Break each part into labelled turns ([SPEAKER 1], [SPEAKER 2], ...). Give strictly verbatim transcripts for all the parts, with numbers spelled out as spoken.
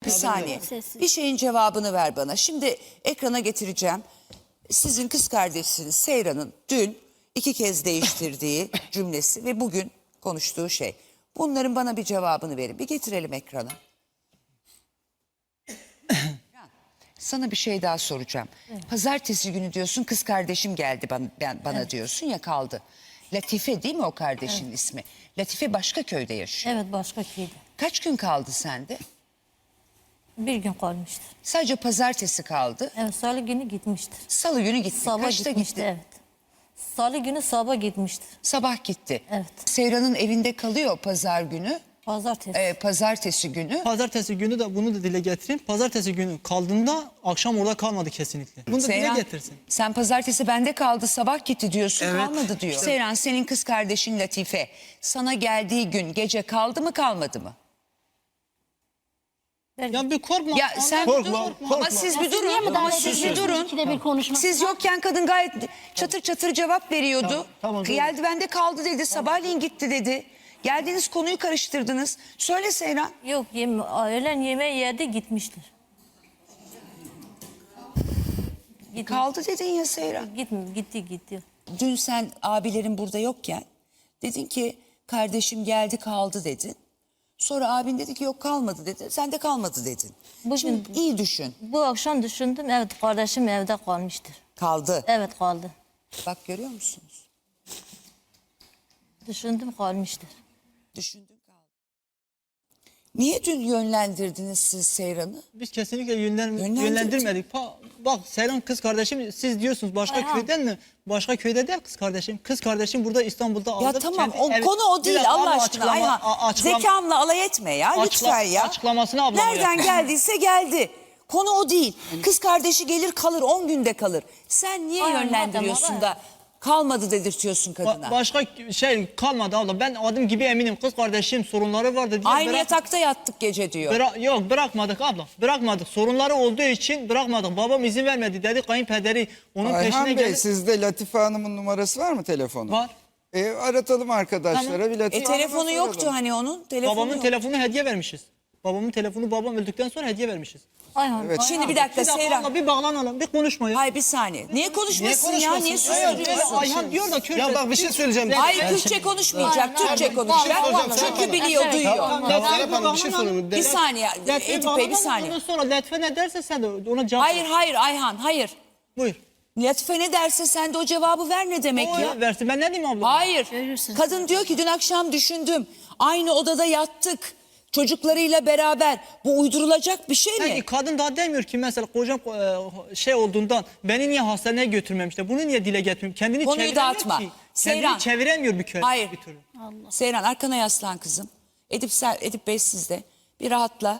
[SPEAKER 1] Bir saniye. Bir şeyin cevabını ver bana. Şimdi ekrana getireceğim. Sizin kız kardeşiniz Seyran'ın dün iki kez değiştirdiği cümlesi ve bugün konuştuğu şey. Bunların bana bir cevabını verin. Bir getirelim ekrana. Sana bir şey daha soracağım. Evet. Pazartesi günü diyorsun kız kardeşim geldi bana, ben, bana evet. diyorsun ya kaldı. Latife değil mi o kardeşinin evet. ismi? Latife başka köyde yaşıyor.
[SPEAKER 2] Evet başka köyde.
[SPEAKER 1] Kaç gün kaldı sende?
[SPEAKER 2] Bir gün kalmıştır.
[SPEAKER 1] Sadece pazartesi kaldı.
[SPEAKER 2] Evet salı günü gitmiştir.
[SPEAKER 1] Salı günü gitti.
[SPEAKER 2] Sabah
[SPEAKER 1] Kaçta
[SPEAKER 2] gitmişti
[SPEAKER 1] gitti?
[SPEAKER 2] evet. Salı günü sabah gitmiştir.
[SPEAKER 1] Sabah gitti.
[SPEAKER 2] Evet.
[SPEAKER 1] Seyran'ın evinde kalıyor pazar günü.
[SPEAKER 2] Pazartesi.
[SPEAKER 1] Ee, pazartesi günü.
[SPEAKER 3] Pazartesi günü de bunu da dile getireyim. Pazartesi günü kaldığında akşam orada kalmadı kesinlikle. Bunu da
[SPEAKER 1] Seyran,
[SPEAKER 3] dile getirsin.
[SPEAKER 1] sen pazartesi bende kaldı sabah gitti diyorsun
[SPEAKER 3] Evet.
[SPEAKER 1] kalmadı diyor.
[SPEAKER 3] İşte.
[SPEAKER 1] Seyran senin kız kardeşin Latife sana geldiği gün gece kaldı mı kalmadı mı?
[SPEAKER 3] Ya bir korkma.
[SPEAKER 1] Ya sen
[SPEAKER 3] korkma,
[SPEAKER 1] bir dur.
[SPEAKER 3] korkma.
[SPEAKER 1] Ama siz bir
[SPEAKER 4] Niye
[SPEAKER 1] durun.
[SPEAKER 4] müdahale
[SPEAKER 1] Ama siz bir
[SPEAKER 4] ediyorsunuz?
[SPEAKER 1] durun.
[SPEAKER 4] İkide bir konuşması
[SPEAKER 1] Siz
[SPEAKER 4] var.
[SPEAKER 1] yokken kadın gayet çatır çatır cevap veriyordu.
[SPEAKER 3] Tamam, tamam,
[SPEAKER 1] Geldi bende kaldı dedi. Sabahleyin gitti dedi. Geldiğiniz konuyu karıştırdınız. Söyle Seyran.
[SPEAKER 2] Yok yeme, öğlen yemeği yedi gitmiştir. Gitmiş.
[SPEAKER 1] Kaldı dedin ya Seyran.
[SPEAKER 2] Gitti gitti gitti.
[SPEAKER 1] Dün sen abilerin burada yokken dedin ki kardeşim geldi kaldı dedin. Sonra abin dedi ki yok kalmadı dedi. Sen de kalmadı dedin.
[SPEAKER 2] Bugün-
[SPEAKER 1] Şimdi iyi düşün.
[SPEAKER 2] Bu akşam düşündüm evet kardeşim evde kalmıştır.
[SPEAKER 1] Kaldı.
[SPEAKER 2] Evet kaldı.
[SPEAKER 1] Bak görüyor musunuz?
[SPEAKER 2] Düşündüm kalmıştır.
[SPEAKER 1] Düşündün kaldı. Niye dün yönlendirdiniz siz Seyran'ı?
[SPEAKER 3] Biz kesinlikle yönlen,
[SPEAKER 1] Yönlendir-
[SPEAKER 3] yönlendirmedik. Pa, bak Seyran kız kardeşim siz diyorsunuz başka
[SPEAKER 2] Ayhan.
[SPEAKER 3] köyden mi? Başka köyde değil kız kardeşim. Kız kardeşim burada İstanbul'da
[SPEAKER 1] Ya
[SPEAKER 3] alıp
[SPEAKER 1] tamam
[SPEAKER 3] kendi
[SPEAKER 1] o
[SPEAKER 3] ev-
[SPEAKER 1] konu o
[SPEAKER 3] Bir
[SPEAKER 1] değil
[SPEAKER 3] dakika,
[SPEAKER 1] Allah
[SPEAKER 3] abla,
[SPEAKER 1] aşkına
[SPEAKER 3] açıklama-
[SPEAKER 1] Ayhan.
[SPEAKER 3] a- açıklama-
[SPEAKER 1] Zekamla alay etme ya
[SPEAKER 3] Açıkla-
[SPEAKER 1] lütfen ya.
[SPEAKER 3] açıklamasını ablama
[SPEAKER 1] Nereden
[SPEAKER 3] yap.
[SPEAKER 1] geldiyse geldi. Konu o değil. Kız kardeşi gelir kalır on günde kalır. Sen niye
[SPEAKER 2] Ayhan,
[SPEAKER 1] yönlendiriyorsun
[SPEAKER 2] madem,
[SPEAKER 1] da kalmadı dedirtiyorsun kadına?
[SPEAKER 3] Ba- başka şey kalmadı abla. Ben adım gibi eminim kız kardeşim sorunları vardı diye.
[SPEAKER 1] Aynı
[SPEAKER 3] bırak-
[SPEAKER 1] yatakta yattık gece diyor.
[SPEAKER 3] Bıra- yok bırakmadık abla. Bırakmadık. Sorunları olduğu için bırakmadık. Babam izin vermedi dedi. Kayınpederi onun
[SPEAKER 5] Ayhan
[SPEAKER 3] peşine
[SPEAKER 5] Bey
[SPEAKER 3] geldi.
[SPEAKER 5] sizde Latife Hanım'ın numarası var mı telefonu?
[SPEAKER 3] Var.
[SPEAKER 5] E, aratalım arkadaşlara.
[SPEAKER 3] Tamam.
[SPEAKER 5] Bir Latife
[SPEAKER 1] E
[SPEAKER 5] Hanım'a
[SPEAKER 1] telefonu
[SPEAKER 5] soralım.
[SPEAKER 1] yoktu hani onun. Telefonu
[SPEAKER 3] Babamın
[SPEAKER 1] yok.
[SPEAKER 3] telefonu hediye vermişiz. Babamın telefonu babam öldükten sonra hediye vermişiz.
[SPEAKER 2] Ayhan,
[SPEAKER 5] Evet.
[SPEAKER 1] Şimdi bir dakika
[SPEAKER 3] Bir dakika
[SPEAKER 1] Seyran.
[SPEAKER 3] abla, bir bağlanalım. Bir konuşma ya.
[SPEAKER 1] Hayır bir saniye. Niye konuşmasın ya? Niye
[SPEAKER 3] Hayır,
[SPEAKER 1] susuyorsun?
[SPEAKER 3] Ayhan diyor da Kürtçe.
[SPEAKER 6] Ya bak bir şey söyleyeceğim.
[SPEAKER 1] Hayır Kürtçe konuşmayacak. Türkçe konuşacak. Çünkü biliyor, duyuyor.
[SPEAKER 3] Tamam,
[SPEAKER 6] Ya
[SPEAKER 3] Latife
[SPEAKER 6] Serap Hanım bir şey
[SPEAKER 3] bağlanalım.
[SPEAKER 6] sorayım.
[SPEAKER 1] Bir saniye
[SPEAKER 3] Latife
[SPEAKER 1] Edip Bey bir
[SPEAKER 3] bağlanalım,
[SPEAKER 1] saniye.
[SPEAKER 3] ondan sonra Latife ne derse sen de ona cevap
[SPEAKER 1] Hayır
[SPEAKER 3] ver.
[SPEAKER 1] hayır Ayhan hayır.
[SPEAKER 3] Buyur.
[SPEAKER 1] Latife ne derse sen de o cevabı ver ne demek
[SPEAKER 3] O
[SPEAKER 1] ya?
[SPEAKER 3] versin. Ben ne diyeyim abla?
[SPEAKER 1] Hayır. Kadın diyor ki dün akşam düşündüm. Aynı odada yattık. Çocuklarıyla beraber. Bu uydurulacak bir şey mi?
[SPEAKER 3] Peki kadın daha demiyor ki mesela kocam e, şey olduğundan beni niye hastaneye götürmemişler? Bunu niye dile getirmiyor? Kendini
[SPEAKER 1] Konuyu
[SPEAKER 3] çeviremiyor
[SPEAKER 1] dağıtma.
[SPEAKER 3] ki.
[SPEAKER 1] Seyran.
[SPEAKER 3] Kendini çeviremiyor bir köy.
[SPEAKER 1] Hayır.
[SPEAKER 3] Bir türlü.
[SPEAKER 1] Seyran arkana yaslan kızım. Edip, sen, Edip Bey sizde. Bir rahatla.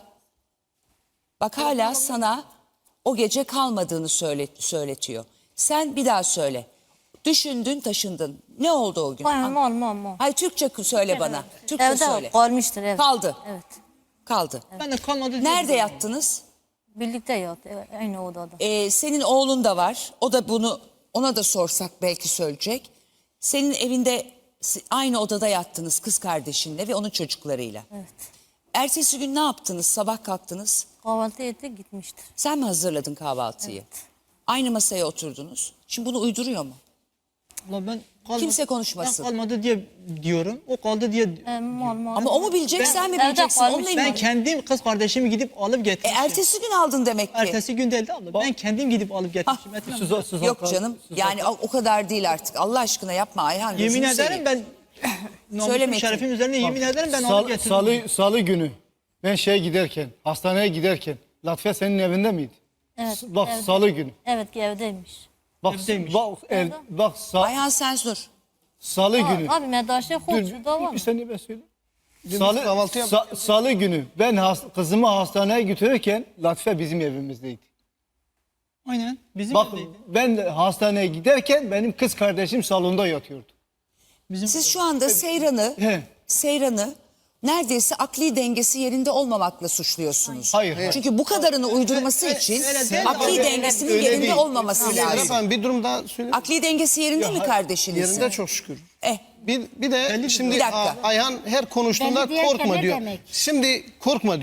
[SPEAKER 1] Bak hala sana o gece kalmadığını söyle, söyletiyor. Sen bir daha söyle. Düşündün taşındın. Ne oldu o gün?
[SPEAKER 2] Ayhan mal mal mal.
[SPEAKER 1] Hayır Türkçe söyle bana. Türkçe
[SPEAKER 2] Evde
[SPEAKER 1] söyle.
[SPEAKER 2] kalmıştır evet.
[SPEAKER 1] Kaldı.
[SPEAKER 2] Evet.
[SPEAKER 1] Kaldı.
[SPEAKER 3] Ben de kalmadı. diye
[SPEAKER 1] Nerede
[SPEAKER 3] biliyorum.
[SPEAKER 1] yattınız?
[SPEAKER 2] Birlikte yat evet, aynı odada.
[SPEAKER 1] Ee, senin oğlun da var. O da bunu ona da sorsak belki söyleyecek. Senin evinde si- aynı odada yattınız kız kardeşinle ve onun çocuklarıyla.
[SPEAKER 2] Evet.
[SPEAKER 1] Ertesi gün ne yaptınız? Sabah kalktınız.
[SPEAKER 2] Kahvaltı etti gitmiştir.
[SPEAKER 1] Sen mi hazırladın kahvaltıyı? Aynı masaya oturdunuz. Şimdi bunu uyduruyor mu?
[SPEAKER 3] Ulan ben kalmadı,
[SPEAKER 1] Kimse konuşmasın.
[SPEAKER 3] Ben kalmadı diye diyorum. O kaldı diye.
[SPEAKER 2] E, mal mal.
[SPEAKER 1] Ama o mu bilecek
[SPEAKER 3] Ben-
[SPEAKER 1] sen mi
[SPEAKER 2] Evde
[SPEAKER 1] bileceksin?
[SPEAKER 2] kalmış.
[SPEAKER 1] Onunla
[SPEAKER 3] Ben
[SPEAKER 1] ilgili.
[SPEAKER 3] kendim kız kardeşimi gidip alıp
[SPEAKER 1] E,
[SPEAKER 3] getirmişim.
[SPEAKER 1] ertesi gün aldın demek ki.
[SPEAKER 3] Ertesi gün değildi abla. Ben kendim gidip alıp getirmişim. Metin abi.
[SPEAKER 1] Yok canım. Yani o, o kadar değil artık. Allah aşkına yapma Ayhan.
[SPEAKER 3] Yemin
[SPEAKER 1] gözünü
[SPEAKER 3] ederim
[SPEAKER 1] seveyim.
[SPEAKER 3] ben
[SPEAKER 1] Söyle
[SPEAKER 3] namusum
[SPEAKER 1] Metin.
[SPEAKER 3] şerefim üzerine yemin ederim ben
[SPEAKER 6] Sal-
[SPEAKER 3] alıp getirdim.
[SPEAKER 6] salı, salı günü ben şeye giderken, hastaneye giderken Latife senin evinde miydi?
[SPEAKER 2] Evet,
[SPEAKER 6] S- Bak
[SPEAKER 2] evde.
[SPEAKER 6] salı günü.
[SPEAKER 2] Evet ki evdeymiş.
[SPEAKER 6] Bak
[SPEAKER 3] Evdeymiş.
[SPEAKER 6] bak, el, bak sa-
[SPEAKER 1] Ayhan sen dur.
[SPEAKER 6] salı günü.
[SPEAKER 2] Abi medaşe
[SPEAKER 6] Dur,
[SPEAKER 2] hoşçu da var
[SPEAKER 6] dur
[SPEAKER 2] mı?
[SPEAKER 6] bir saniye ben söyleyeyim. Salı, kahvaltı sa- salı günü ben has- kızımı hastaneye götürürken Latife bizim evimizdeydi.
[SPEAKER 3] Aynen. Bizim
[SPEAKER 6] Bak
[SPEAKER 3] evdeydi.
[SPEAKER 6] ben de hastaneye giderken benim kız kardeşim salonda yatıyordu.
[SPEAKER 3] Bizim
[SPEAKER 1] Siz şu anda Seyran'ı
[SPEAKER 6] He.
[SPEAKER 1] Seyran'ı neredeyse akli dengesi yerinde olmamakla suçluyorsunuz.
[SPEAKER 6] Hayır, hayır.
[SPEAKER 1] Çünkü bu kadarını uydurması
[SPEAKER 3] öyle-
[SPEAKER 1] için
[SPEAKER 3] öyle değil.
[SPEAKER 1] akli
[SPEAKER 3] Öyle-
[SPEAKER 1] dengesinin
[SPEAKER 6] öyle
[SPEAKER 1] yerinde
[SPEAKER 6] değil.
[SPEAKER 1] olmaması
[SPEAKER 6] Öyle
[SPEAKER 1] lazım.
[SPEAKER 6] değil.
[SPEAKER 7] Efendim bir durum daha söyleyeyim.
[SPEAKER 1] Akli dengesi yerinde mi kardeşinizin?
[SPEAKER 7] Yerinde çok şükür.
[SPEAKER 1] Eh,
[SPEAKER 7] Bir, bir de şimdi
[SPEAKER 1] Bir dakika.
[SPEAKER 7] A- Ayhan her konuştuğunda
[SPEAKER 4] Belli diyerken
[SPEAKER 7] korkma
[SPEAKER 4] ne
[SPEAKER 7] diyor.
[SPEAKER 4] demek?
[SPEAKER 7] Şimdi korkma diyor.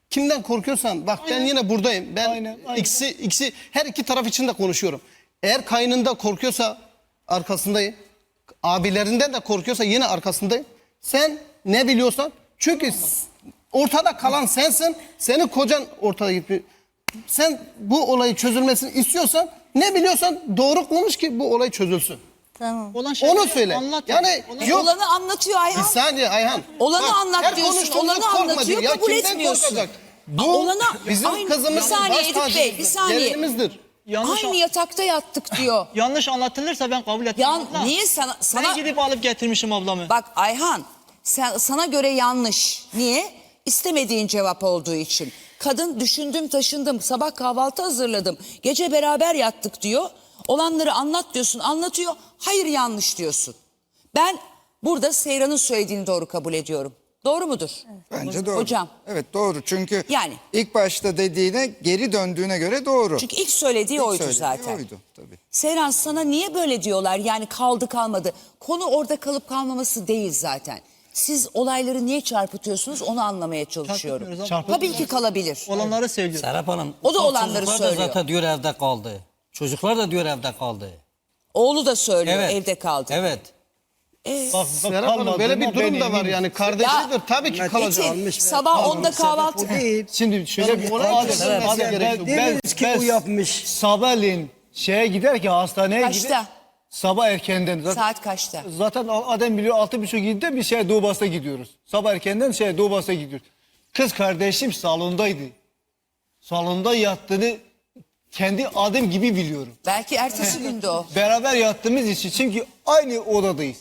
[SPEAKER 4] Kimden korkuyorsan bak ben yine buradayım. Ben
[SPEAKER 6] Aynen, aynen.
[SPEAKER 4] ikisi ikisi her iki taraf için de konuşuyorum. Eğer kaynında korkuyorsa arkasındayım. Abilerinden de korkuyorsa yine arkasındayım. Sen ne biliyorsan çünkü s- ortada kalan sensin. Senin kocan ortada gitti. Sen bu olayı çözülmesini istiyorsan ne biliyorsan doğru konuş ki bu olay çözülsün.
[SPEAKER 2] Tamam.
[SPEAKER 3] Olan şeyleri
[SPEAKER 4] Onu söyle.
[SPEAKER 3] anlat.
[SPEAKER 4] Yani
[SPEAKER 3] Olan-
[SPEAKER 4] yok.
[SPEAKER 1] Olanı anlatıyor
[SPEAKER 4] Bir
[SPEAKER 1] Ayhan.
[SPEAKER 4] saniye Ayhan.
[SPEAKER 1] Olanı anlat
[SPEAKER 4] her
[SPEAKER 1] diyorsun,
[SPEAKER 4] konuştuğumuzda
[SPEAKER 1] olanı
[SPEAKER 4] korkma
[SPEAKER 1] anlatıyor,
[SPEAKER 4] diyor. Ya
[SPEAKER 1] kabul
[SPEAKER 4] kimden
[SPEAKER 1] etmiyorsun.
[SPEAKER 4] korkacak?
[SPEAKER 1] Aa,
[SPEAKER 4] Bu
[SPEAKER 1] olana-
[SPEAKER 4] bizim
[SPEAKER 1] Aynı-
[SPEAKER 4] kızımızın
[SPEAKER 1] bir saniye
[SPEAKER 4] baş
[SPEAKER 1] Edip Bey,
[SPEAKER 4] tacımızdır,
[SPEAKER 1] bir saniye.
[SPEAKER 4] gelinimizdir.
[SPEAKER 3] Yanlış,
[SPEAKER 1] Aynı yatakta yattık diyor.
[SPEAKER 3] yanlış anlatılırsa ben kabul etmem.
[SPEAKER 1] Yan,
[SPEAKER 3] abla.
[SPEAKER 1] niye sana, sana
[SPEAKER 3] Ben gidip alıp getirmişim ablamı.
[SPEAKER 1] bak Ayhan sen, sana göre yanlış. Niye? İstemediğin cevap olduğu için. Kadın düşündüm taşındım sabah kahvaltı hazırladım gece beraber yattık diyor. Olanları anlat diyorsun anlatıyor. Hayır yanlış diyorsun. Ben burada Seyran'ın söylediğini doğru kabul ediyorum. Doğru mudur?
[SPEAKER 5] Bence doğru.
[SPEAKER 1] Hocam.
[SPEAKER 5] Evet doğru çünkü
[SPEAKER 1] Yani.
[SPEAKER 5] ilk başta dediğine geri döndüğüne göre doğru.
[SPEAKER 1] Çünkü ilk söylediği
[SPEAKER 5] İlk
[SPEAKER 1] oydu
[SPEAKER 5] söylediği
[SPEAKER 1] zaten.
[SPEAKER 5] oydu tabii.
[SPEAKER 1] Seyran sana niye böyle diyorlar? Yani kaldı kalmadı. Konu orada kalıp kalmaması değil zaten. Siz olayları niye çarpıtıyorsunuz onu anlamaya çalışıyorum.
[SPEAKER 3] Çarpıtmıyoruz
[SPEAKER 6] abla.
[SPEAKER 1] Tabii ki kalabilir.
[SPEAKER 3] Olanları söylüyor.
[SPEAKER 7] Serap Hanım.
[SPEAKER 1] O da
[SPEAKER 7] ufak
[SPEAKER 1] olanları
[SPEAKER 7] çocuklar
[SPEAKER 1] söylüyor.
[SPEAKER 7] da zaten diyor evde kaldı. Çocuklar da diyor evde kaldı.
[SPEAKER 1] Oğlu da söylüyor
[SPEAKER 7] Evet.
[SPEAKER 1] evde kaldı.
[SPEAKER 7] Evet.
[SPEAKER 6] Bak, bak,
[SPEAKER 4] Serap Hanım böyle
[SPEAKER 6] kalmadığına
[SPEAKER 4] bir durum
[SPEAKER 6] ben
[SPEAKER 4] da var
[SPEAKER 6] eminim.
[SPEAKER 4] yani kardeşidir tabii ki kalacak.
[SPEAKER 1] Metin, sabah onda kahvaltı.
[SPEAKER 6] Şimdi şöyle bir
[SPEAKER 4] olay
[SPEAKER 6] Adem,
[SPEAKER 4] çözülmesi
[SPEAKER 6] Adem,
[SPEAKER 4] gerekiyor.
[SPEAKER 6] ben, ben,
[SPEAKER 8] Demiyoruz ki
[SPEAKER 6] ben
[SPEAKER 8] bu yapmış.
[SPEAKER 6] sabahleyin şeye giderken hastaneye
[SPEAKER 1] Kaçta?
[SPEAKER 6] gider. Sabah erkenden. Zaten,
[SPEAKER 1] Saat kaçta?
[SPEAKER 6] zaten Adem biliyor altı buçuk yedide bir şey Doğu Bas'a gidiyoruz. Sabah erkenden şey Doğu Bas'a gidiyoruz. Kız kardeşim salondaydı. Salonda yattığını kendi adım gibi biliyorum.
[SPEAKER 1] Belki ertesi günde o.
[SPEAKER 6] Beraber yattığımız için çünkü aynı odadayız.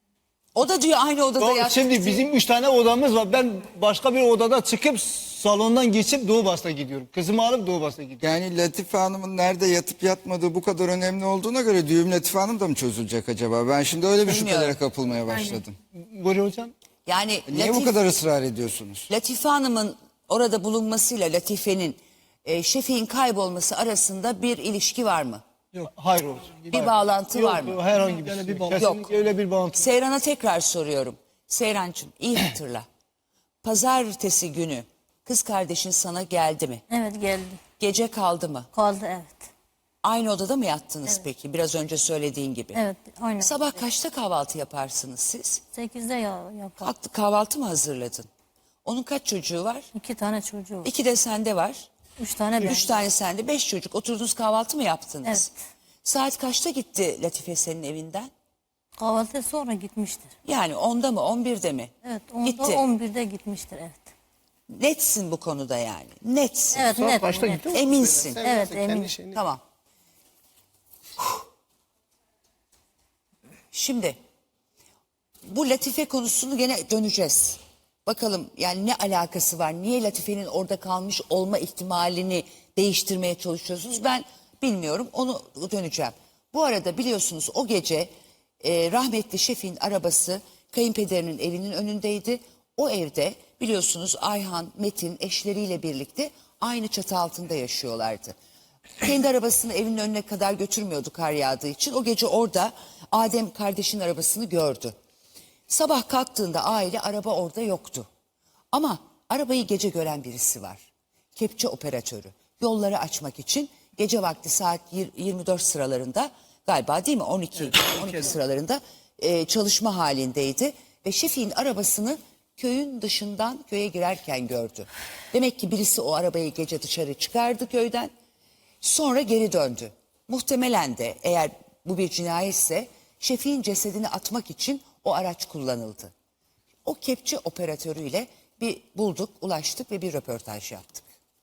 [SPEAKER 1] O da diyor aynı odada
[SPEAKER 6] Doğru,
[SPEAKER 1] yattık
[SPEAKER 6] şimdi
[SPEAKER 1] diye.
[SPEAKER 6] bizim üç tane odamız var. Ben başka bir odada çıkıp salondan geçip Doğu Bas'a gidiyorum. Kızımı alıp Doğu Bas'a gidiyorum.
[SPEAKER 5] Yani Latife Hanım'ın nerede yatıp yatmadığı bu kadar önemli olduğuna göre düğüm Latife Hanım da mı çözülecek acaba? Ben şimdi öyle bir
[SPEAKER 1] Bilmiyorum.
[SPEAKER 5] şüphelere kapılmaya başladım.
[SPEAKER 6] Buyur hocam.
[SPEAKER 1] Yani
[SPEAKER 5] Niye bu
[SPEAKER 1] Latif-
[SPEAKER 5] kadar ısrar ediyorsunuz?
[SPEAKER 1] Latife Hanım'ın orada bulunmasıyla Latife'nin e, Şefik'in kaybolması arasında bir ilişki var mı?
[SPEAKER 6] Yok. Hayır hocam.
[SPEAKER 1] Bir bağlantı
[SPEAKER 6] Yok,
[SPEAKER 1] var mı?
[SPEAKER 6] yok, herhangi bir şey. Kesinlikle
[SPEAKER 1] Yok.
[SPEAKER 6] öyle bir bağlantı.
[SPEAKER 1] Seyran'a tekrar soruyorum. Seyrancığım iyi hatırla. Pazartesi günü kız kardeşin sana geldi mi?
[SPEAKER 2] Evet geldi.
[SPEAKER 1] Gece kaldı mı?
[SPEAKER 2] Kaldı evet.
[SPEAKER 1] Aynı odada mı yattınız peki? Biraz önce söylediğin gibi.
[SPEAKER 2] Evet aynen.
[SPEAKER 1] Sabah kaçta kahvaltı yaparsınız siz?
[SPEAKER 2] sekizde ya, yapar.
[SPEAKER 1] Kalktı kahvaltı mı hazırladın? Onun kaç çocuğu var?
[SPEAKER 2] İki tane çocuğu var.
[SPEAKER 1] İki de sende var.
[SPEAKER 2] Üç tane ben.
[SPEAKER 1] Üç tane sende, beş çocuk. Oturdunuz kahvaltı mı yaptınız?
[SPEAKER 2] Evet.
[SPEAKER 1] Saat kaçta gitti Latife senin evinden?
[SPEAKER 2] Kahvaltı sonra gitmiştir.
[SPEAKER 1] Yani onda mı, on birde mi?
[SPEAKER 2] Evet onda
[SPEAKER 1] Gitti.
[SPEAKER 2] on birde gitmiştir evet.
[SPEAKER 1] Netsin bu konuda yani. Netsin.
[SPEAKER 2] Evet net.
[SPEAKER 4] Kaçta
[SPEAKER 2] net.
[SPEAKER 4] gitti?
[SPEAKER 1] Eminsin.
[SPEAKER 2] Evet
[SPEAKER 4] Kendi
[SPEAKER 2] emin.
[SPEAKER 4] şeyini-
[SPEAKER 1] Tamam. Şimdi bu Latife konusunu gene döneceğiz. Bakalım yani ne alakası var? Niye Latife'nin orada kalmış olma ihtimalini değiştirmeye çalışıyorsunuz? Ben bilmiyorum. Onu döneceğim. Bu arada biliyorsunuz o gece e, rahmetli Şefik'in arabası kayınpederinin evinin önündeydi. O evde biliyorsunuz Ayhan, Metin eşleriyle birlikte aynı çatı altında yaşıyorlardı. Kendi arabasını evinin önüne kadar götürmüyordu kar yağdığı için. O gece orada Adem kardeşin arabasını gördü. Sabah kalktığında aile araba orada yoktu. Ama arabayı gece gören birisi var. Kepçe operatörü. Yolları açmak için gece vakti saat yirmi dört sıralarında galiba değil mi on iki, on iki sıralarında e, çalışma halindeydi. Ve Şefik'in arabasını köyün dışından köye girerken gördü. Demek ki birisi o arabayı gece dışarı çıkardı köyden. Sonra geri döndü. Muhtemelen de eğer bu bir cinayetse Şefik'in cesedini atmak için o araç kullanıldı. O kepçe operatörüyle bir bulduk, ulaştık ve bir röportaj yaptık.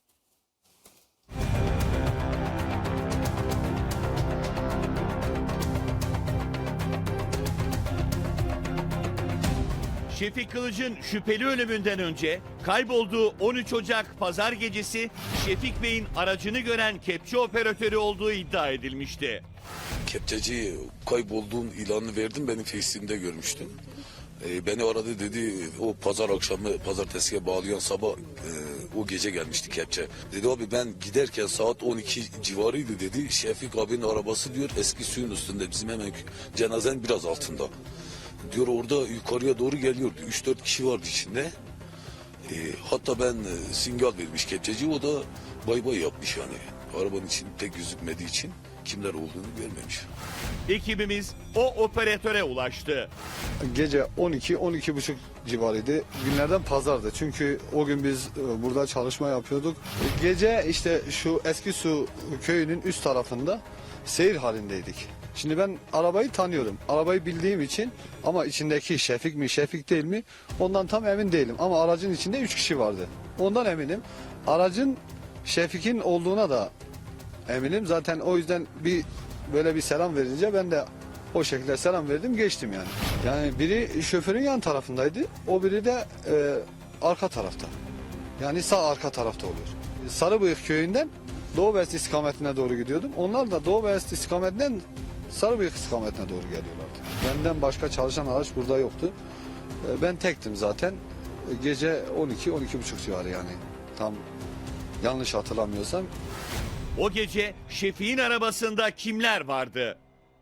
[SPEAKER 9] Şefik Kılıç'ın şüpheli ölümünden önce kaybolduğu on üç Ocak pazar gecesi Şefik Bey'in aracını gören kepçe operatörü olduğu iddia edilmişti.
[SPEAKER 10] Kepçeci kaybolduğum ilanını verdim, beni Facebook'te görmüştüm. Ee, beni aradı, dedi o pazar akşamı pazartesiye bağlayan sabah e, o gece gelmişti kepçe. Dedi abi ben giderken saat on iki civarıydı dedi. Şefik abinin arabası diyor eski suyun üstünde, bizim hemen cenazenin biraz altında. Diyor orada yukarıya doğru geliyordu. üç dört kişi vardı içinde. E, hatta ben e, sinyal vermiş kepçeci, o da bay bay yapmış yani. Arabanın için pek gözükmediği için kimler olduğunu görmemiş.
[SPEAKER 9] Ekibimiz o operatöre ulaştı.
[SPEAKER 8] Gece on iki on iki buçuk civarıydı. Günlerden pazardı. Çünkü o gün biz e, burada çalışma yapıyorduk. Gece işte şu Eski Su köyünün üst tarafında seyir halindeydik. Şimdi ben arabayı tanıyorum. Arabayı bildiğim için, ama içindeki Şefik mi Şefik değil mi ondan tam emin değilim. Ama aracın içinde üç kişi vardı. Ondan eminim. Aracın Şefik'in olduğuna da eminim. Zaten o yüzden bir böyle bir selam verince ben de o şekilde selam verdim, geçtim yani. Yani biri şoförün yan tarafındaydı. O biri de e, arka tarafta. Yani sağ arka tarafta oluyor. Sarıbıyık köyünden Doğu Beyazıt istikametine doğru gidiyordum. Onlar da Doğu Beyazıt istikametinden Sarıbıyık istikametine doğru geliyorlardı. Benden başka çalışan araç burada yoktu. E, ben tektim zaten. E, gece on iki on iki buçuk civarı yani. Tam yanlış hatırlamıyorsam.
[SPEAKER 9] O gece Şefik'in arabasında kimler vardı?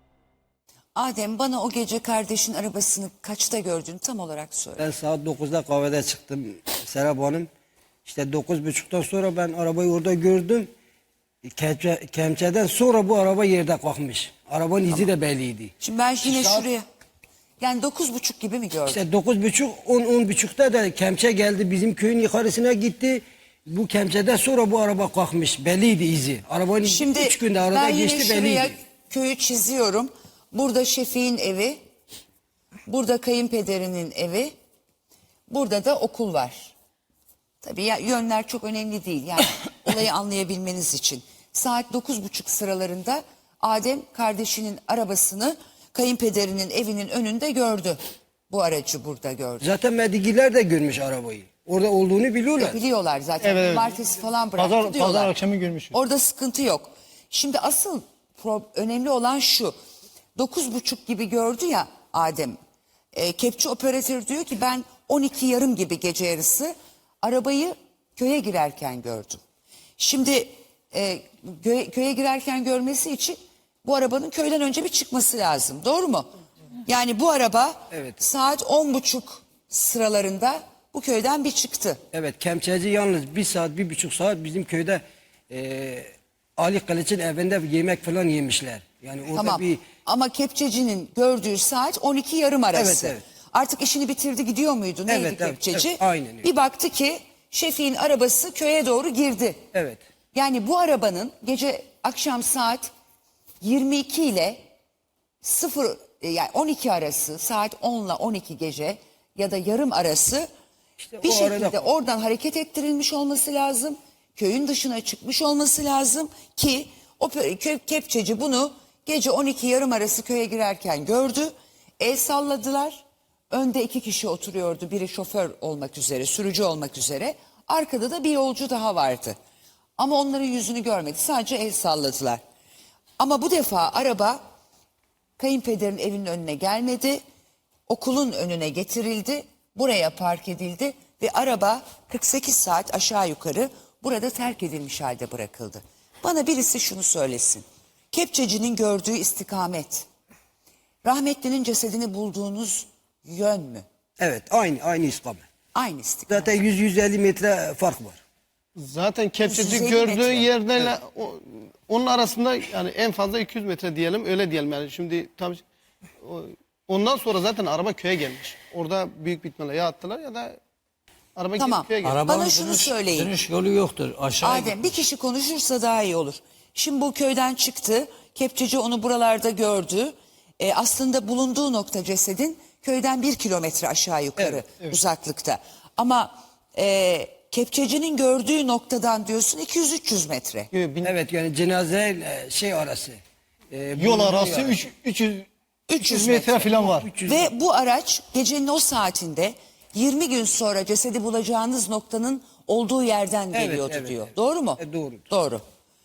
[SPEAKER 1] Adem, bana o gece kardeşin arabasını kaçta gördün tam olarak söyle.
[SPEAKER 7] Ben saat dokuzda kahvede çıktım Serap Hanım. İşte dokuz buçuktan sonra ben arabayı orada gördüm. Kemçe, kemçeden sonra bu araba yerde kalkmış. Arabanın izi de belliydi.
[SPEAKER 1] Şimdi ben yine
[SPEAKER 7] Saat-
[SPEAKER 1] şuraya, yani dokuz buçuk gibi mi gördün?
[SPEAKER 7] İşte dokuz buçuk, on, on buçukta da kemçe geldi, bizim köyün yukarısına gitti. Bu kemçeden sonra bu araba kalkmış, belliydi izi. Arabanın
[SPEAKER 1] Şimdi
[SPEAKER 7] üç günde arada
[SPEAKER 1] ben yine
[SPEAKER 7] geçti,
[SPEAKER 1] şuraya
[SPEAKER 7] belliydi.
[SPEAKER 1] köyü çiziyorum. Burada Şefik'in evi, burada kayınpederinin evi, burada da okul var. Tabii ya, yönler çok önemli değil yani olayı anlayabilmeniz için. Saat dokuz buçuk sıralarında Adem kardeşinin arabasını kayınpederinin evinin önünde gördü. Bu aracı burada gördü.
[SPEAKER 7] Zaten Medigiler de görmüş arabayı. Orada olduğunu biliyorlar.
[SPEAKER 1] Biliyorlar zaten.
[SPEAKER 6] Evet, evet.
[SPEAKER 1] Cumartesi falan bıraktı
[SPEAKER 6] Pazar,
[SPEAKER 1] diyorlar.
[SPEAKER 6] pazar akşamı görmüşüm.
[SPEAKER 1] Orada sıkıntı yok. Şimdi asıl pro- önemli olan şu. Dokuz buçuk gibi gördü ya Adem. E, kepçe operatör diyor ki ben on iki yarım gibi gece yarısı arabayı köye girerken gördüm. Şimdi e, köye, köye girerken görmesi için bu arabanın köyden önce bir çıkması lazım. Doğru mu? Yani bu araba
[SPEAKER 7] Evet.
[SPEAKER 1] saat on buçuk sıralarında bu köyden bir çıktı.
[SPEAKER 7] Evet, kemçeci yalnız bir saat, bir buçuk saat bizim köyde e, Ali Kılıç'ın evinde yemek falan yemişler. Yani orada
[SPEAKER 1] Tamam.
[SPEAKER 7] bir...
[SPEAKER 1] Ama kepçecinin gördüğü saat on iki yarım arası.
[SPEAKER 7] Evet, evet.
[SPEAKER 1] Artık işini bitirdi, gidiyor muydu? Neydi
[SPEAKER 7] Evet, evet,
[SPEAKER 1] kepçeci?
[SPEAKER 7] evet, aynen öyle.
[SPEAKER 1] Bir baktı ki Şefik'in arabası köye doğru girdi.
[SPEAKER 7] Evet.
[SPEAKER 1] Yani bu arabanın gece akşam saat yirmi iki ile sıfır e, yani on iki arası, saat on ile on iki gece ya da yarım arası
[SPEAKER 7] İşte
[SPEAKER 1] bir
[SPEAKER 7] o arada-
[SPEAKER 1] şekilde oradan hareket ettirilmiş olması lazım. Köyün dışına çıkmış olması lazım ki o pö- kö- kepçeci bunu gece on iki yarım arası köye girerken gördü. El salladılar. Önde iki kişi oturuyordu. Biri şoför olmak üzere, sürücü olmak üzere. Arkada da bir yolcu daha vardı. Ama onların yüzünü görmedi. Sadece el salladılar. Ama bu defa araba kayınpederin evinin önüne gelmedi. Okulun önüne getirildi. Buraya park edildi ve araba kırk sekiz saat aşağı yukarı burada terk edilmiş halde bırakıldı. Bana birisi şunu söylesin. Kepçecinin gördüğü istikamet, rahmetlinin cesedini bulduğunuz yön mü?
[SPEAKER 7] Evet, aynı aynı istikamet.
[SPEAKER 1] Aynı istikamet.
[SPEAKER 7] Zaten yüz yüz elli metre fark var.
[SPEAKER 4] Zaten kepçeci
[SPEAKER 1] yüz elli
[SPEAKER 4] gördüğü
[SPEAKER 1] metre.
[SPEAKER 4] yerden o- onun arasında yani en fazla iki yüz metre diyelim, öyle diyelim yani. Şimdi tabii o- ondan sonra zaten araba köye gelmiş. Orada büyük bir ihtimalle ya attılar ya da araba
[SPEAKER 1] Tamam.
[SPEAKER 4] gidip köye gelmiş.
[SPEAKER 7] Arabanın
[SPEAKER 1] Bana şunu
[SPEAKER 7] dönüş,
[SPEAKER 1] söyleyin.
[SPEAKER 7] dönüş yolu yoktur. Aşağı
[SPEAKER 1] Adem bir kişi konuşursa daha iyi olur. Şimdi bu köyden çıktı. Kepçeci onu buralarda gördü. E, aslında bulunduğu nokta cesedin köyden bir kilometre aşağı yukarı uzaklıkta. Ama e, kepçecinin gördüğü noktadan diyorsun iki yüz üç yüz metre.
[SPEAKER 4] Yok, bin-
[SPEAKER 7] Evet, yani cenaze ile şey arası. e,
[SPEAKER 6] Yol
[SPEAKER 7] bulunduğu
[SPEAKER 6] arası
[SPEAKER 7] yer.
[SPEAKER 6] üç- üç yüz
[SPEAKER 1] üç yüz
[SPEAKER 6] metre
[SPEAKER 1] metre.
[SPEAKER 6] falan var.
[SPEAKER 7] üç yüz
[SPEAKER 1] Ve bu araç gecenin o saatinde yirmi gün sonra cesedi bulacağınız noktanın olduğu yerden
[SPEAKER 7] Evet,
[SPEAKER 1] geliyordu
[SPEAKER 7] evet,
[SPEAKER 1] diyor.
[SPEAKER 7] evet.
[SPEAKER 1] Doğru mu?
[SPEAKER 7] E, doğrudur.
[SPEAKER 1] Doğru.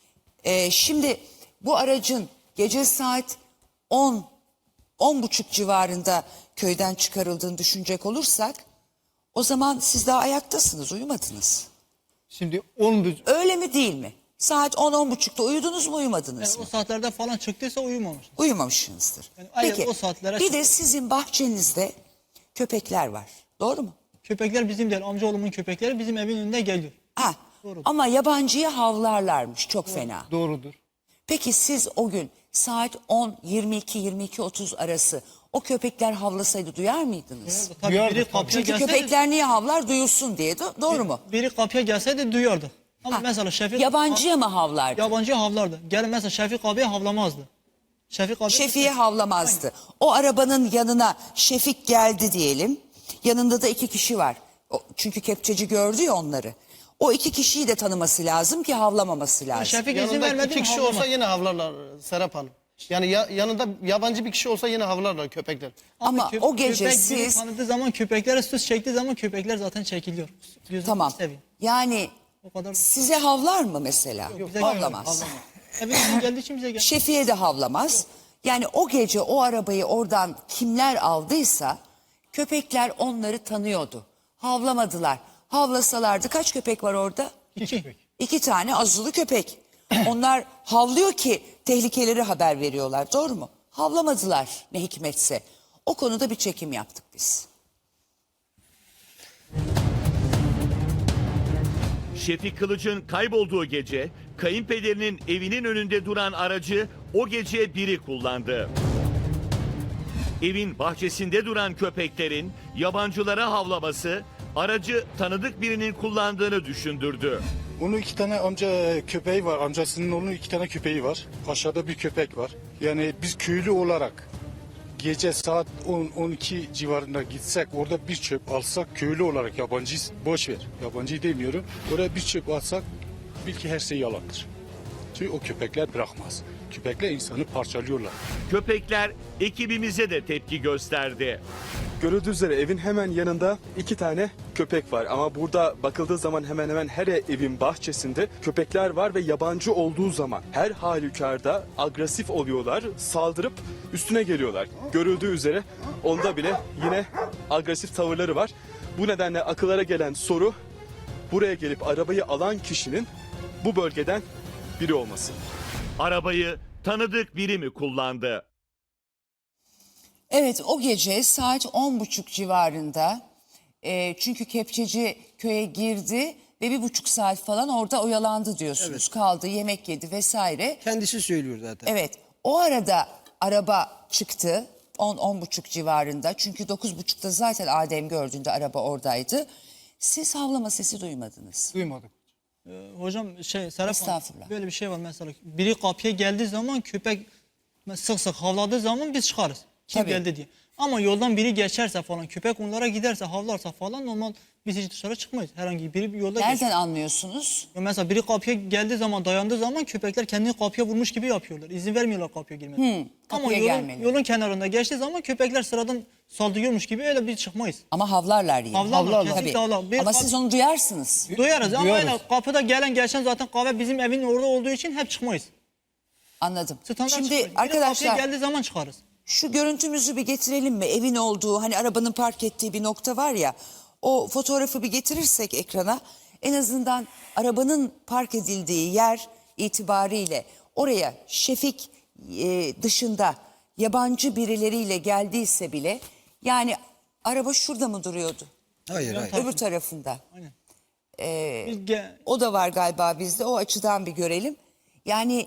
[SPEAKER 1] E, şimdi bu aracın gece saat on, on buçuk civarında köyden çıkarıldığını düşünecek olursak o zaman siz daha ayaktasınız, uyumadınız.
[SPEAKER 6] Şimdi on bir-
[SPEAKER 1] Öyle mi değil mi? Saat on on buçukta uyudunuz mu, uyumadınız
[SPEAKER 3] Yani
[SPEAKER 1] mı?
[SPEAKER 3] o saatlerde falan çıktıysa uyumamış.
[SPEAKER 1] Uyumamışsınızdır.
[SPEAKER 3] Yani aynen
[SPEAKER 1] Peki
[SPEAKER 3] o saatlere
[SPEAKER 1] bir de
[SPEAKER 3] çıktı.
[SPEAKER 1] sizin bahçenizde köpekler var. Doğru mu?
[SPEAKER 3] Köpekler bizim değil. Amcaoğlumun köpekleri bizim evin önünde geliyor.
[SPEAKER 1] Ha. Ama yabancıya havlarlarmış çok fena.
[SPEAKER 6] Doğrudur.
[SPEAKER 1] Peki siz o gün saat on, yirmi iki, yirmi iki otuz arası o köpekler havlasaydı duyar mıydınız?
[SPEAKER 3] Tabii
[SPEAKER 6] Duyardık
[SPEAKER 3] biri
[SPEAKER 6] tabii.
[SPEAKER 3] kapıya
[SPEAKER 1] Çünkü
[SPEAKER 3] gelseydi,
[SPEAKER 1] köpekler niye havlar? Duyulsun diye. Do- doğru mu?
[SPEAKER 3] biri kapıya gelseydi duyardı. Ama
[SPEAKER 1] Ha,
[SPEAKER 3] mesela Şefik
[SPEAKER 1] Yabancıya mı havlardı?
[SPEAKER 3] yabancı havlardı. Gelin mesela Şefik abiye havlamazdı. Şefik abi
[SPEAKER 1] Şefik'e havlamazdı. O arabanın yanına Şefik geldi diyelim. Yanında da iki kişi var. O- çünkü kepçeci gördü ya onları. O iki kişiyi de tanıması lazım ki havlamaması lazım.
[SPEAKER 3] Şefik izin
[SPEAKER 4] Yanında
[SPEAKER 3] vermedi
[SPEAKER 4] iki
[SPEAKER 3] mi
[SPEAKER 4] kişi
[SPEAKER 3] havlamaz.
[SPEAKER 4] olsa yine havlarlar Serap Hanım. Yani ya- yanında yabancı bir kişi olsa yine havlarlar köpekler.
[SPEAKER 1] Ama
[SPEAKER 3] köp-
[SPEAKER 1] o gece
[SPEAKER 3] köpek biri
[SPEAKER 1] siz
[SPEAKER 3] tanıdığı zaman köpeklere süs çektiği zaman köpekler zaten çekiliyor. Gözünü
[SPEAKER 1] tamam.
[SPEAKER 3] seveyim.
[SPEAKER 1] Yani
[SPEAKER 3] O kadar.
[SPEAKER 1] size havlar mı mesela?
[SPEAKER 3] bize
[SPEAKER 1] Havlamaz.
[SPEAKER 3] Evin önüne geldiği için bize geldi.
[SPEAKER 1] Şefi'ye de havlamaz. Yani o gece o arabayı oradan kimler aldıysa köpekler onları tanıyordu. Havlamadılar. Havlasalardı kaç köpek var orada?
[SPEAKER 3] İki.
[SPEAKER 1] İki tane azılı köpek. Onlar havlıyor ki tehlikeleri haber veriyorlar. Doğru mu? Havlamadılar ne hikmetse. O konuda bir çekim yaptık biz.
[SPEAKER 9] Şefik Kılıç'ın kaybolduğu gece kayınpederinin evinin önünde duran aracı o gece biri kullandı. Evin bahçesinde duran köpeklerin yabancılara havlaması aracı tanıdık birinin kullandığını düşündürdü.
[SPEAKER 11] Onun iki tane amca köpeği var. Amcasının onun iki tane köpeği var. Aşağıda bir köpek var. Yani biz köylü olarak gece saat on on iki civarında gitsek orada bir çöp alsak köylü olarak yabancıyız. Boş ver. Yabancıyı demiyorum. Oraya bir çöp alsak bil ki her şey yalandır. Çünkü o köpekler bırakmaz. Köpekler insanı parçalıyorlar.
[SPEAKER 9] Köpekler ekibimize de tepki gösterdi.
[SPEAKER 12] Görüldüğü üzere evin hemen yanında iki tane köpek var. Ama burada bakıldığı zaman hemen hemen her evin bahçesinde köpekler var ve yabancı olduğu zaman her halükarda agresif oluyorlar, saldırıp üstüne geliyorlar. Görüldüğü üzere onda bile yine agresif tavırları var. Bu nedenle akıllara gelen soru buraya gelip arabayı alan kişinin bu bölgeden biri olması.
[SPEAKER 9] Arabayı tanıdık biri mi kullandı?
[SPEAKER 1] Evet o gece saat on buçuk civarında e, çünkü kepçeci köye girdi ve bir buçuk saat falan orada oyalandı diyorsunuz. Kaldı yemek yedi vesaire.
[SPEAKER 7] Kendisi söylüyor zaten.
[SPEAKER 1] Evet o arada araba çıktı on on buçuk civarında çünkü dokuz buçukta zaten Adem gördüğünde araba oradaydı. Siz havlama sesi duymadınız.
[SPEAKER 6] Duymadık.
[SPEAKER 3] Ee, hocam şey Serap Hanım,
[SPEAKER 1] Estağfurullah.
[SPEAKER 3] böyle bir şey var mesela. Biri kapıya geldiği zaman köpek sık sık havladığı zaman biz çıkarız. Kim
[SPEAKER 1] Tabii.
[SPEAKER 3] geldi diye. Ama yoldan biri geçerse falan köpek onlara giderse havlarsa falan normal biz hiç dışarı çıkmayız. Herhangi biri bir yolda geçer.
[SPEAKER 1] Nereden anlıyorsunuz?
[SPEAKER 3] Ya mesela biri kapıya geldiği zaman dayandığı zaman köpekler kendini kapıya vurmuş gibi yapıyorlar. İzin vermiyorlar kapıya girmesine. Ama
[SPEAKER 1] kapıya
[SPEAKER 3] yolun,
[SPEAKER 1] gelmeleri.
[SPEAKER 3] yolun kenarında geçtiği zaman köpekler sıradan saldırıyormuş gibi öyle bir çıkmayız.
[SPEAKER 1] Ama havlarlar yine.
[SPEAKER 3] Havlarlar,
[SPEAKER 1] Tabii.
[SPEAKER 3] kesinlikle havlar. Bir
[SPEAKER 1] Ama
[SPEAKER 3] kap-
[SPEAKER 1] siz onu duyarsınız.
[SPEAKER 3] Duyarız ama
[SPEAKER 6] Duyarız.
[SPEAKER 3] öyle kapıda gelen geçen zaten kahve bizim evin orada olduğu için hep çıkmayız.
[SPEAKER 1] Anladım.
[SPEAKER 3] Standart
[SPEAKER 1] Şimdi
[SPEAKER 3] çıkmayız. Biri
[SPEAKER 1] arkadaşlar
[SPEAKER 3] kapıya geldiği zaman çıkarız.
[SPEAKER 1] şu görüntümüzü bir getirelim mi? Evin olduğu hani arabanın park ettiği bir nokta var ya. O fotoğrafı bir getirirsek ekrana en azından arabanın park edildiği yer itibariyle oraya Şefik e, dışında yabancı birileriyle geldiyse bile yani araba şurada mı duruyordu?
[SPEAKER 7] Hayır hayır.
[SPEAKER 1] Öbür tarafında.
[SPEAKER 3] Aynen.
[SPEAKER 1] Ee,
[SPEAKER 3] Biz ge-
[SPEAKER 1] o da var galiba bizde. O açıdan bir görelim. Yani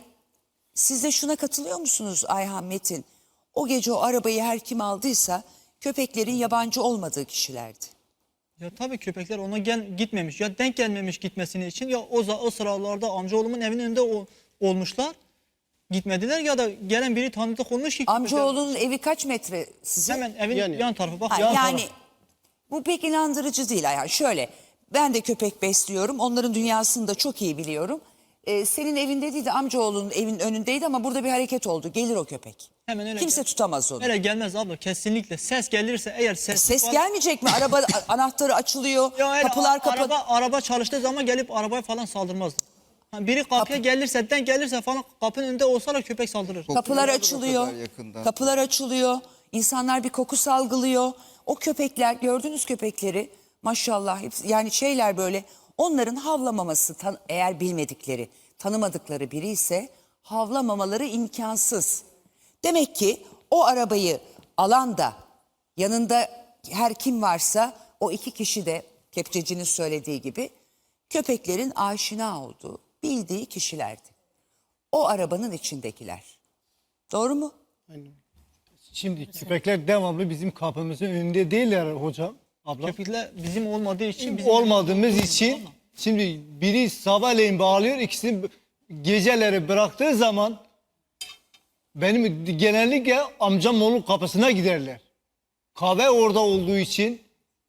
[SPEAKER 1] siz de şuna katılıyor musunuz Ayhan Metin? O gece o arabayı her kim aldıysa köpeklerin yabancı olmadığı kişilerdi.
[SPEAKER 3] Ya tabii köpekler ona gel gitmemiş ya denk gelmemiş gitmesini için ya o, za- o sıralarda amcaoğlumun evinin önünde o, olmuşlar. Gitmediler ya da gelen biri tanıdık olmuş ki. köpekler-
[SPEAKER 1] Amcaoğlunun evi kaç metre size?
[SPEAKER 3] Hemen evin
[SPEAKER 4] Yani-
[SPEAKER 3] yan tarafı bak
[SPEAKER 1] Ha,
[SPEAKER 3] yan
[SPEAKER 1] yani
[SPEAKER 3] tarafı.
[SPEAKER 1] bu pek inandırıcı değil. Yani şöyle ben de köpek besliyorum. Onların dünyasını da çok iyi biliyorum. Ee, senin evinde değil de amcaoğlunun evin önündeydi ama burada bir hareket oldu. Gelir o köpek.
[SPEAKER 3] Hemen öyle
[SPEAKER 1] Kimse
[SPEAKER 3] gel-
[SPEAKER 1] tutamaz onu.
[SPEAKER 3] Öyle gelmez abla kesinlikle. Ses gelirse eğer ses
[SPEAKER 1] Ses
[SPEAKER 3] var-
[SPEAKER 1] gelmeyecek mi? Araba a- anahtarı açılıyor.
[SPEAKER 3] Ya öyle
[SPEAKER 1] kapılar
[SPEAKER 3] a-
[SPEAKER 1] kapalı.
[SPEAKER 3] araba, araba çalıştığı zaman gelip arabaya falan saldırmazdı. Ha, biri kapıya gelirse denk gelirse falan kapının önünde olsalar köpek saldırır.
[SPEAKER 1] Kapılar
[SPEAKER 5] Kokluyorlar o
[SPEAKER 1] açılıyor.
[SPEAKER 5] kadar yakından.
[SPEAKER 1] Kapılar açılıyor. İnsanlar bir koku salgılıyor. O köpekler gördüğünüz köpekleri maşallah hepsi, yani şeyler böyle onların havlamaması tan- eğer bilmedikleri tanımadıkları biri ise havlamamaları imkansız. Demek ki o arabayı alan da yanında her kim varsa o iki kişi de kepçecinin söylediği gibi köpeklerin aşina olduğu, bildiği kişilerdi. O arabanın içindekiler. Doğru mu?
[SPEAKER 6] Şimdi köpekler devamlı bizim kapımızın önünde değiller hocam. Abla.
[SPEAKER 3] Köpekler bizim olmadığı için bizim
[SPEAKER 6] Olmadığımız için şimdi biri sabahleyin bağlıyor, ikisini geceleri bıraktığı zaman benim genellikle amcam onun kapısına giderler. Kahve orada olduğu için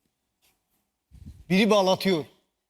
[SPEAKER 6] biri bağlatıyor.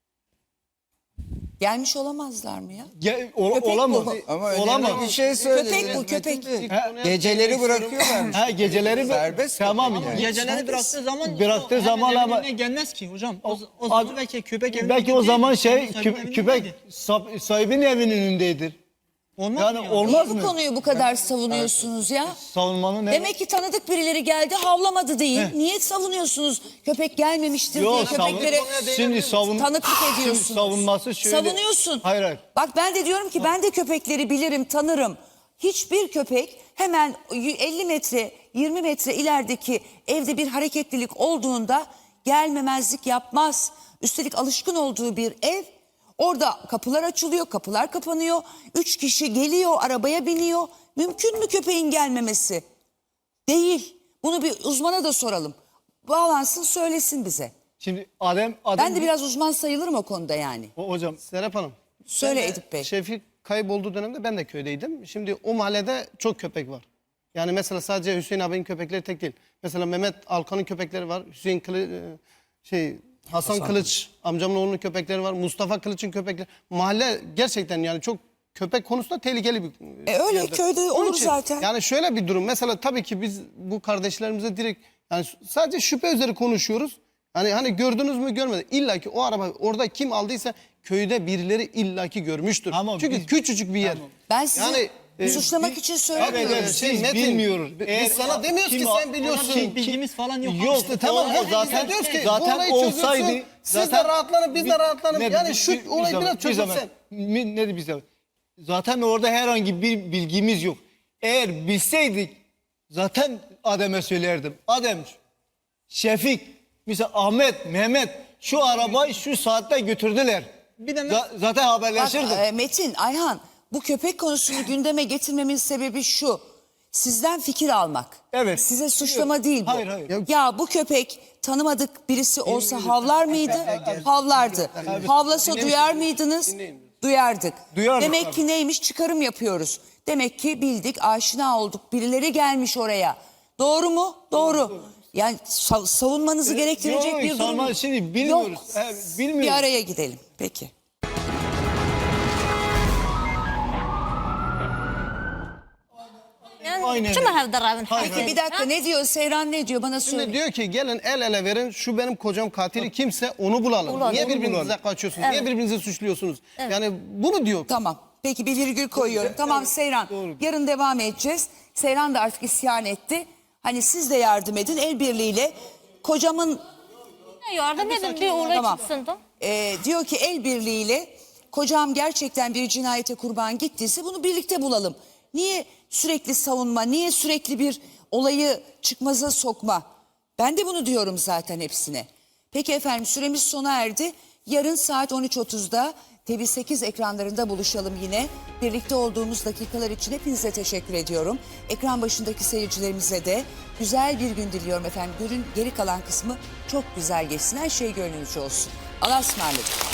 [SPEAKER 1] Gelmiş olamazlar mı ya?
[SPEAKER 6] Ge- ol-
[SPEAKER 1] Köpek
[SPEAKER 6] olamaz.
[SPEAKER 1] bu.
[SPEAKER 5] Ama
[SPEAKER 6] Olamaz.
[SPEAKER 5] önemli bir şey söylediniz.
[SPEAKER 1] Köpek bu, köpek.
[SPEAKER 5] Metin Bey.
[SPEAKER 6] Ha,
[SPEAKER 5] Geceleri bırakıyorlar.
[SPEAKER 6] Ha, geceleri
[SPEAKER 5] Serbest
[SPEAKER 6] tamam
[SPEAKER 5] köpek
[SPEAKER 6] yani.
[SPEAKER 3] geceleri bıraktığı zaman
[SPEAKER 6] Bıraktığı
[SPEAKER 3] o hemen
[SPEAKER 6] zaman
[SPEAKER 3] evin
[SPEAKER 6] ama-
[SPEAKER 3] önüne gelmez ki hocam. O, o
[SPEAKER 6] O-
[SPEAKER 3] zaman belki köpek evin
[SPEAKER 6] Belki o
[SPEAKER 3] önünde
[SPEAKER 6] zaman
[SPEAKER 3] değil,
[SPEAKER 6] şey
[SPEAKER 3] sahibinin
[SPEAKER 6] kö-
[SPEAKER 3] evinin
[SPEAKER 6] köpek
[SPEAKER 3] önündeydi.
[SPEAKER 6] sah- sahibinin evinin önündedir.
[SPEAKER 3] Olmaz
[SPEAKER 6] Yani
[SPEAKER 3] mı ya?
[SPEAKER 6] olmaz
[SPEAKER 1] Niye bu
[SPEAKER 6] mı?
[SPEAKER 1] konuyu bu kadar savunuyorsunuz ya?
[SPEAKER 6] Savunmanın ne?
[SPEAKER 1] Demek ki tanıdık birileri geldi havlamadı değil. Niye savunuyorsunuz? Köpek gelmemiştir diye
[SPEAKER 6] Yok, savun-
[SPEAKER 1] köpeklere
[SPEAKER 6] şimdi savun-
[SPEAKER 1] tanıklık
[SPEAKER 6] şimdi
[SPEAKER 1] ediyorsunuz.
[SPEAKER 6] savunması şöyle-
[SPEAKER 1] Savunuyorsun.
[SPEAKER 6] Hayır, hayır.
[SPEAKER 1] Bak ben de diyorum ki ben de köpekleri bilirim, tanırım. Hiçbir köpek hemen elli metre, yirmi metre ilerideki evde bir hareketlilik olduğunda gelmemezlik yapmaz. Üstelik alışkın olduğu bir ev. Orada kapılar açılıyor, kapılar kapanıyor. Üç kişi geliyor, arabaya biniyor. Mümkün mü köpeğin gelmemesi? Değil. Bunu bir uzmana da soralım. Bağlansın, söylesin bize.
[SPEAKER 6] Şimdi Adem Adem
[SPEAKER 1] Ben de biraz uzman sayılırım o konuda yani.
[SPEAKER 6] O- hocam
[SPEAKER 4] Serap Hanım.
[SPEAKER 1] Söyle
[SPEAKER 4] ben de
[SPEAKER 1] Edip Bey.
[SPEAKER 4] Şefik kaybolduğu dönemde ben de köydeydim. Şimdi o mahallede çok köpek var. Yani mesela sadece Hüseyin abinin köpekleri tek değil. Mesela Mehmet Alkan'ın köpekleri var. Hüseyin Kılı, e, şey Hasan, Kılıç amcamın oğlunun köpekleri var. Mustafa Kılıç'ın köpekleri. Mahalle gerçekten yani çok köpek konusunda tehlikeli bir
[SPEAKER 1] E öyle,
[SPEAKER 4] yerdir.
[SPEAKER 1] köyde
[SPEAKER 4] Onun
[SPEAKER 1] olur
[SPEAKER 4] için
[SPEAKER 1] zaten.
[SPEAKER 4] Yani şöyle bir durum. Mesela tabii ki biz bu kardeşlerimize direkt yani sadece şüphe üzeri konuşuyoruz. Hani hani gördünüz mü görmedi. İlla ki o araba orada kim aldıysa köyde birileri illaki görmüştür.
[SPEAKER 6] Ama
[SPEAKER 4] Çünkü
[SPEAKER 6] biz-
[SPEAKER 4] küçücük bir yer.
[SPEAKER 1] Ben sizi
[SPEAKER 4] Yani, e,
[SPEAKER 1] suçlamak
[SPEAKER 4] biz-
[SPEAKER 1] için
[SPEAKER 6] Evet,
[SPEAKER 1] söylemiyorum.
[SPEAKER 6] evet,
[SPEAKER 4] Şey,
[SPEAKER 6] biz
[SPEAKER 4] Metin,
[SPEAKER 6] bilmiyoruz.
[SPEAKER 4] biz
[SPEAKER 6] Eğer-
[SPEAKER 4] sana demiyoruz ki
[SPEAKER 6] kim-
[SPEAKER 4] sen biliyorsun.
[SPEAKER 3] Ona bir bilgimiz falan yok.
[SPEAKER 6] Yok
[SPEAKER 3] İşte
[SPEAKER 4] Tamam
[SPEAKER 6] o-
[SPEAKER 4] hepimiz
[SPEAKER 6] zaten
[SPEAKER 4] de diyoruz ki
[SPEAKER 6] zaten
[SPEAKER 4] bu olayı
[SPEAKER 6] olsaydı
[SPEAKER 4] çözülsün. Siz
[SPEAKER 6] zaten
[SPEAKER 4] de rahatlanın biz de rahatlanın.
[SPEAKER 6] Ne-
[SPEAKER 4] Yani
[SPEAKER 6] bir-
[SPEAKER 4] şu
[SPEAKER 6] bir- bir
[SPEAKER 4] olay
[SPEAKER 6] zaman-
[SPEAKER 4] biraz
[SPEAKER 6] bir zaman.
[SPEAKER 4] çözülsün.
[SPEAKER 6] Mi- Ne de bir zaman. Zaten orada herhangi bir bilgimiz yok. Eğer bilseydik zaten Adem'e söylerdim. Adem, Şefik, mesela Ahmet, Mehmet şu arabayı şu saatte götürdüler.
[SPEAKER 3] Bir de
[SPEAKER 6] Za- zaten
[SPEAKER 1] Bak,
[SPEAKER 6] haberleşirdik.
[SPEAKER 1] e, Metin, Ayhan bu köpek konusunu gündeme getirmemin sebebi şu. Sizden fikir almak.
[SPEAKER 6] Evet.
[SPEAKER 1] Size suçlama değil bu.
[SPEAKER 6] Hayır, hayır.
[SPEAKER 1] Ya bu köpek tanımadık birisi olsa havlar mıydı? Havlardı. Havlasa duyar mıydınız? Duyardık.
[SPEAKER 6] Duyardık
[SPEAKER 1] Demek
[SPEAKER 6] tabii.
[SPEAKER 1] ki neymiş? Çıkarım yapıyoruz. Demek ki bildik, aşina olduk. Birileri gelmiş oraya. Doğru mu? Doğru. Yani sa- savunmanızı gerektirecek
[SPEAKER 6] Yok,
[SPEAKER 1] bir durum
[SPEAKER 6] savunma-
[SPEAKER 1] yok.
[SPEAKER 6] şimdi bilmiyoruz.
[SPEAKER 1] Yok.
[SPEAKER 6] He, bilmiyoruz.
[SPEAKER 1] Bir araya gidelim. Peki.
[SPEAKER 6] Aynen.
[SPEAKER 2] شو ما هذا الرابن
[SPEAKER 1] Peki bir dakika ne diyor? Seyran ne diyor? Bana söyle.
[SPEAKER 4] Şimdi diyor ki gelin el ele verin şu benim kocam katili kimse onu bulalım.
[SPEAKER 2] Bulalım,
[SPEAKER 4] Niye
[SPEAKER 2] onu
[SPEAKER 4] birbirinize
[SPEAKER 6] bulalım.
[SPEAKER 4] kaçıyorsunuz? Niye birbirinizi suçluyorsunuz? Yani bunu diyor.
[SPEAKER 1] Tamam. Peki bir virgül koyuyorum. Tamam Seyran. Yarın devam edeceğiz. Seyran da artık isyan etti. Hani siz de yardım edin el birliğiyle. Kocamın
[SPEAKER 2] Yardım edin bir olay
[SPEAKER 1] Tamam.
[SPEAKER 2] çıksın da.
[SPEAKER 1] Ee, diyor ki el birliğiyle kocam gerçekten bir cinayete kurban gittiyse bunu birlikte bulalım. Niye sürekli savunma, niye sürekli bir olayı çıkmaza sokma? Ben de bunu diyorum zaten hepsine. Peki efendim süremiz sona erdi. Yarın saat on üç otuzda T V sekiz ekranlarında buluşalım yine. Birlikte olduğumuz dakikalar için hepinize teşekkür ediyorum. Ekran başındaki seyircilerimize de güzel bir gün diliyorum efendim. Günün geri kalan kısmı çok güzel geçsin. Her şey gönlünüzce olsun. Allah'a ısmarladık.